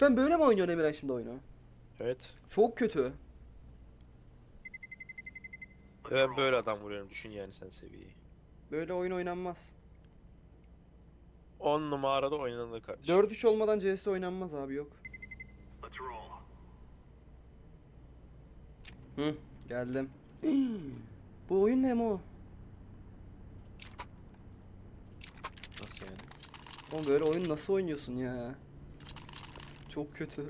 Ben böyle mi oynuyorum Emirhan şimdi oyunu? Evet. Çok kötü. Ben böyle adam vuruyorum, düşün yani sen seviyeyi. Böyle oyun oynanmaz. 10 numarada oynanır kardeşim. 4-3 olmadan CS oynanmaz abi, yok. Hı, geldim. Bu oyun ne Mo? Nasıl yani? Oğlum böyle oyun nasıl oynuyorsun ya? Çok kötü.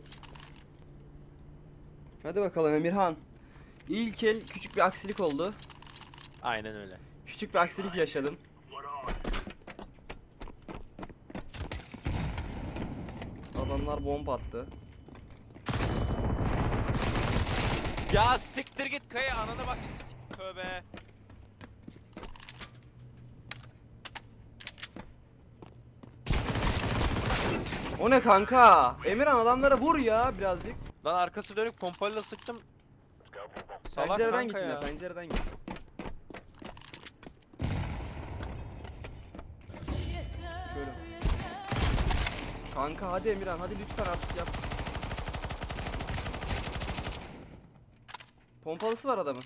Hadi bakalım Emirhan. İlk el küçük bir aksilik oldu. Aynen öyle. Küçük bir aksilik yaşadım. Adamlar bomba attı. Ya siktir git Kaya, anana bak şimdi tövbe. O ne kanka? Emirhan adamlara vur ya birazcık. Lan arkası dönük pompayla sıktım. Salak Pencereden kanka git ya. yine, pencereden git. Şöyle. Kanka hadi Emirhan, hadi lütfen artık yap. Pompalısı var adamın.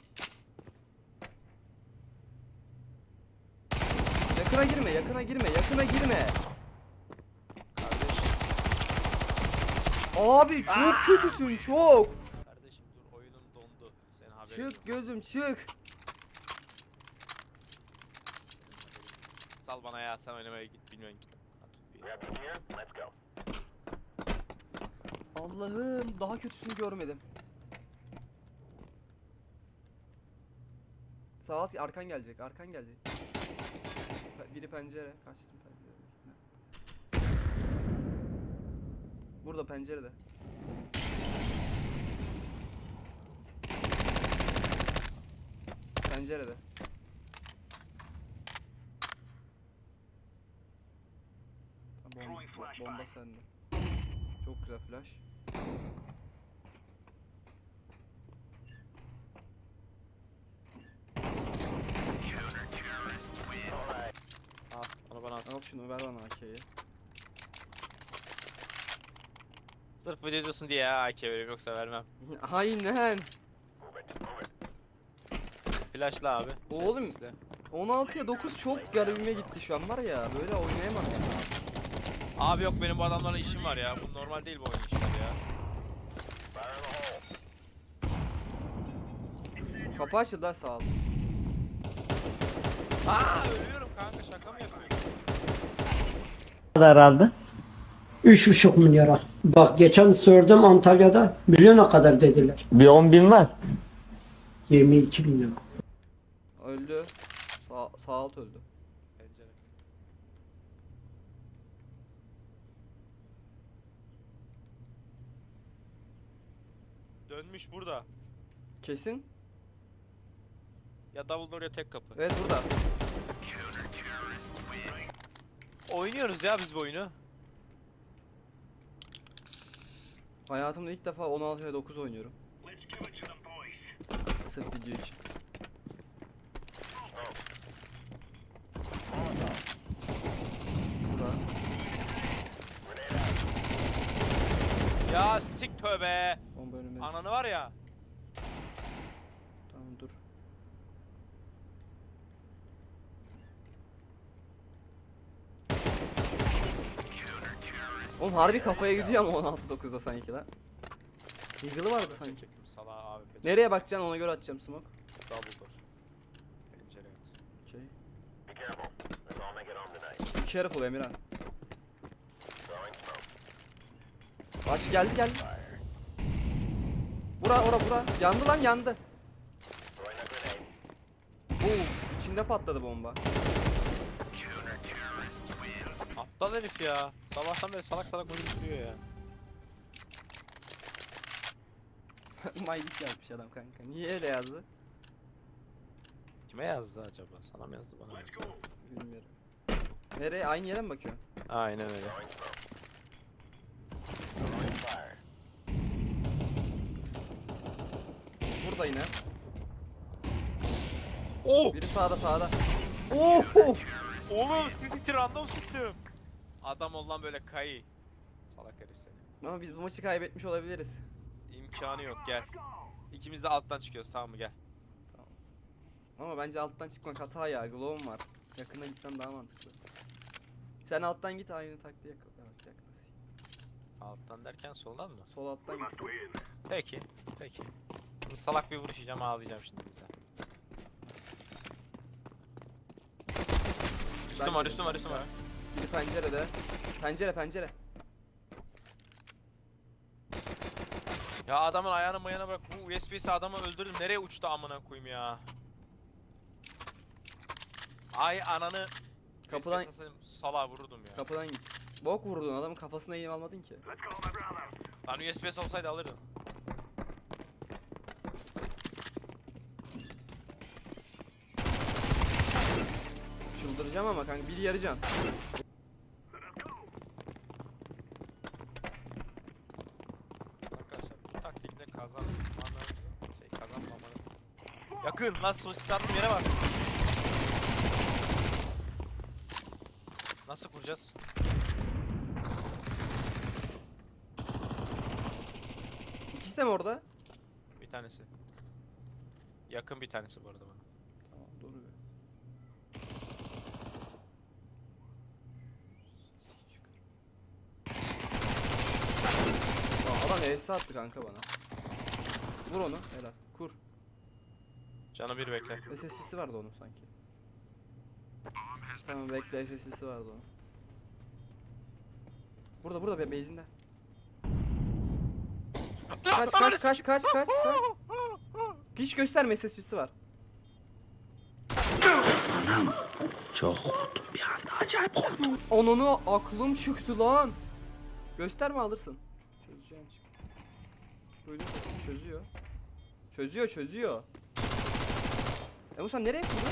Yakına girme, yakına girme, yakına girme. Kardeşim. Abi çok kötüsün, çok. Kardeşim dur, oyunum dondu. Senin haberin yok. Çık gözüm, çık. Sal bana ya, sen oynamaya git, bilmiyorum git. Allah'ım, daha kötüsünü görmedim. Sağ alt, arkan gelecek, arkan gelecek. Biri pencere, kaçtım pencere. Burada pencerede. Pencerede. Bomba sende. Çok güzel flash. Al, onu bana at. Al şunu, ver bana AK'yi. Sırf video diyorsun diye ya AK veriyorum, yoksa vermem. Aynen. Flashla abi. Oğlum. Sesle. 16'ya 9 çok garibime gitti şu an var ya, böyle oynayamam. Abi yok, benim bu adamlarla işim var ya. Bu normal değil bu oyun işleri ya. Kapı açıldı, sağ ol. Aa, ölüyorum kanka, şaka mı yapıyorsun? Herhalde. 3,5 milyara. Bak geçen sordum Antalya'da milyona kadar dediler. Bir 10 bin var. 22 bin lira. Öldü. Sağ alt öldü. Pencere. Dönmüş burada. Kesin. Ya davul oraya, tek kapı. Evet burada. Oynuyoruz ya biz bu oyunu. Hayatımda ilk defa 16'ya 9 oynuyorum. Sırf video için. Burada. Ya sik tövbe. Bomba önüme. Ananı var ya. Tamam dur. Oğlum harbi kafaya gidiyor ama 16-9'da sanki lan. Eagle'ı vardı sanki. Çektim salağı abi. Nereye bakacaksın, ona göre atacağım smoke. Double door. Pencere at. Okay. Be careful Emirhan. Aç, geldi. Bura. Yandı lan, yandı. İçinde patladı bomba. Aptal herif ya. Sabahtan beri salak salak oyun duruyor ya. Maylik yazmış adam kanka. Niye öyle yazdı? Kime yazdı acaba? Sana mı yazdı, bana mı yazdı? Bilmiyorum. Nereye? Aynı yere mi bakıyorsun? Aynen öyle. Burada yine. Oh! Biri sağda. Oh! Oğlum, sizi random sıktım. Adam ol lan böyle kayı. Salak herif seni. Ama biz bu maçı kaybetmiş olabiliriz. İmkanı yok, gel. İkimiz de alttan çıkıyoruz, tamam mı, gel. Ama bence alttan çıkmak hata ya. Glow'um var. Yakına gitmem daha mantıklı. Sen alttan git, aynı taktiği yakala. Evet, yaklasın. Alttan derken soldan mı? Sol alttan git. Peki, peki. Bu salak bir vuruş yiyeceğim, ağlayacağım şimdi bize. Üstüm var, üstüm var, üstüm var. Biri pencerede. Pencere, pencere. Ya adamın ayağını mayana bırak, bu USB'si adamı öldürdüm, nereye uçtu amına koyayım ya. Ay ananı. Kapıdan- Salağa vururdum ya. Kapıdan git. Bok vurdun, adamın kafasına eğim almadın ki. Lan USB'si olsaydı alırdım. Çıldıracağım ama kanka, biri yarı can. Arkadaşlar bu taktikle kazanmanız kazanmamanız. Yakın lan, sis attığım yere bak. Nasıl kuracağız? İkisi de mi orada? Bir tanesi. Yakın bir tanesi bu arada bana. Tamam, doğru be. Aa, adam ES attı kanka bana. Vur onu, helal. Kur. Canı bir bekle. SSC'si vardı onun sanki. Tamam bekle, SSC'si vardı onun. Burada base'inde. Kaç. Hiç gösterme, SSC'si var. Çok korktum bir anda, acayip korktum. Onunu aklım çıktı lan. Gösterme, alırsın. Çözeceğim çık. Duydun mu? Çözüyor. Bu sen nereye kurdun?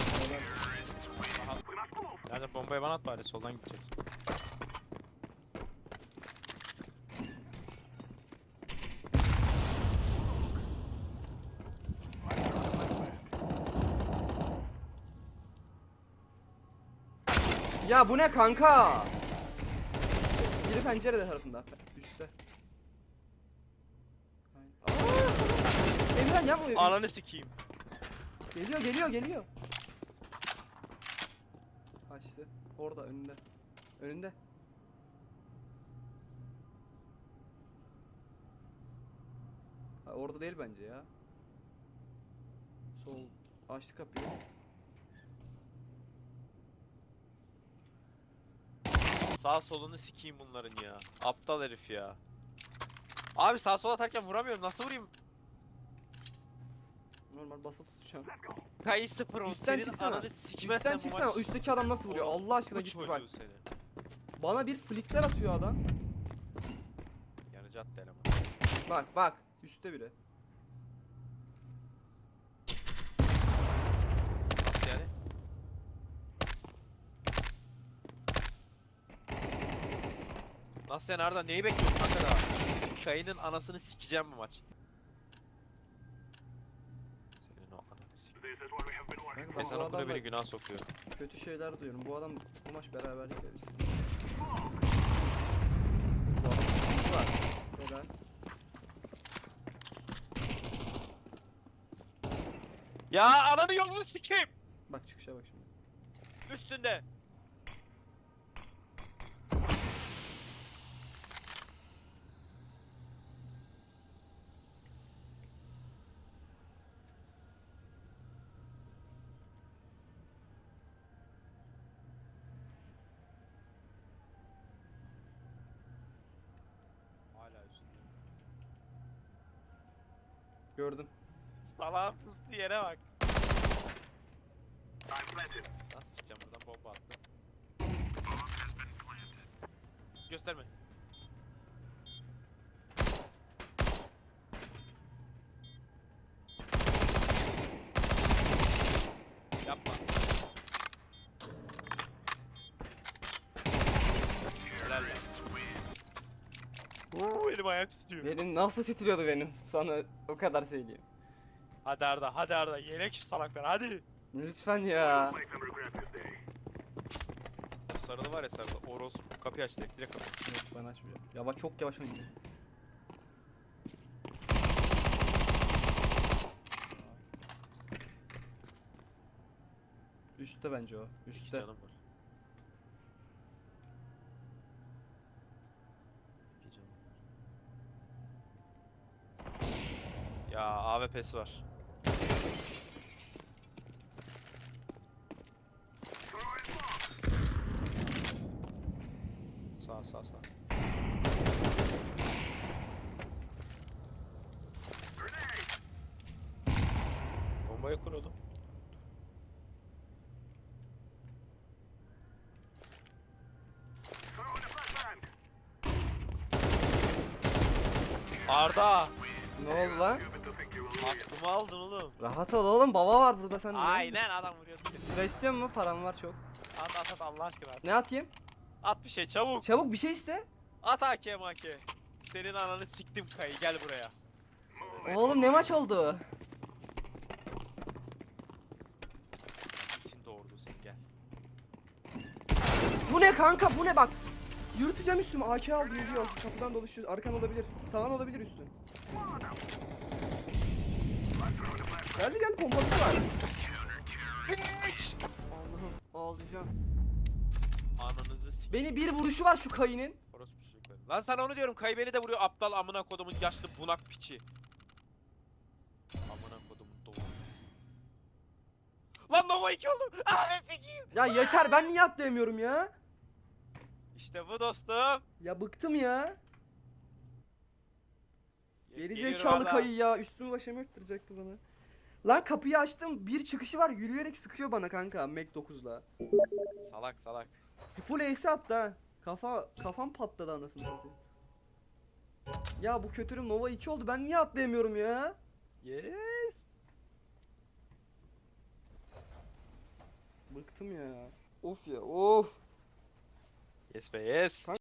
Yani bombayı bana at bari, soldan gideceksin. Ya bu ne kanka? Biri pencerede tarafında. Üstte. Emran yapma. Ananı sikeyim. Geliyor. Kaçtı. Orada, önünde. Ha, orada değil bence ya. Sol. Açtı kapıyı. Sağ solunu sikeyim bunların ya. Aptal herif ya. Abi sağ sola atarken vuramıyorum, nasıl vurayım? Normal basıp tutacağım. Kayı 0 10 Üstten senin çıksana. ananı sikmezsen Üstten bu çıksana. maç. Üstteki adam nasıl vuruyor? Allah aşkına Bu git bir bak. çocuğu seni. Bana bir flickler atıyor adam. Yanıcı attı eleman. Bak. Üstte biri. Nasıl yani? Nasıl yani Arda, neyi bekliyorsun kanka daha? Kayının anasını sikeceğim bu maç. Senin o ananı sikeceğim. Kanka, ben Ezan bu okunuyor, adamla beni günah sokuyor. kötü şeyler duyuyorum. Bu adam bu maç beraberlik verir. Var. Helal. Ya ananı yolunu sikeyim! Bak çıkışa bak şimdi. Üstünde. Hala üstünde. Gördüm. Salağın pustu yere bak. Nasıl çıkacağım buradan, bomba attı. Gösterme. Yapma. Helal lan. Elim ayak tutuyor. Benim nasıl titriyordu benim, sana o kadar söyleyeyim. Hadi Arda, yelek şu salaklar, hadi. Lütfen ya. sarılı var ya sarılı. Orospu kapıyı aç direkt kapıyı. Yok ben açmayacağım. Yavaş çok yavaş oynuyor. Üstte bence o. İki Üstte. canım var. İki canım var. Ya AWP'si var. Sağ. Bombayı kur oğlum. Arda! Ne oldu lan? Aklımı aldın oğlum. Rahat ol oğlum, baba var burada sen. Aynen adam vuruyordu. Sıra istiyor mu? Param var çok. At Allah aşkına at. Ne atayım? At bir şey çabuk. Çabuk bir şey iste. At AK make. Senin ananı siktim kayı gel buraya. Oğlum ne maç oldu? İçinde ordu sen gel. Bu ne kanka, bu ne bak. Yürüteceğim üstümü, AK aldı yürüyor. Kapıdan dolaşıyor, arkan olabilir. Sağan olabilir üstün. Geldi pompalısı var. Allah'ım ağlayacağım. Ananızı sik. Beni bir vuruşu var şu kayının. Orospu çocukları. Lan sana onu diyorum kayı beni de vuruyor aptal amına kodumun yaşlı bunak piçi. Amına kodumun doğru. Lan Nova 2 oldum. Ananı sikeyim. Ya yeter, ben niye atlayamıyorum ya? İşte bu dostum. Ya bıktım ya. Geri Geliyorum zekalı Arda. kayı ya, üstümü başımı öttürecekti bana. Lan kapıyı açtım, bir çıkışı var, yürüyerek sıkıyor bana kanka Mac 9'la. Salak. Full ace attı ha. Kafam patladı anasını satayım. Ya bu kötürüm Nova 2 oldu, ben niye atlayamıyorum ya? Yes. Bıktım ya. Of ya of. Yes be yes.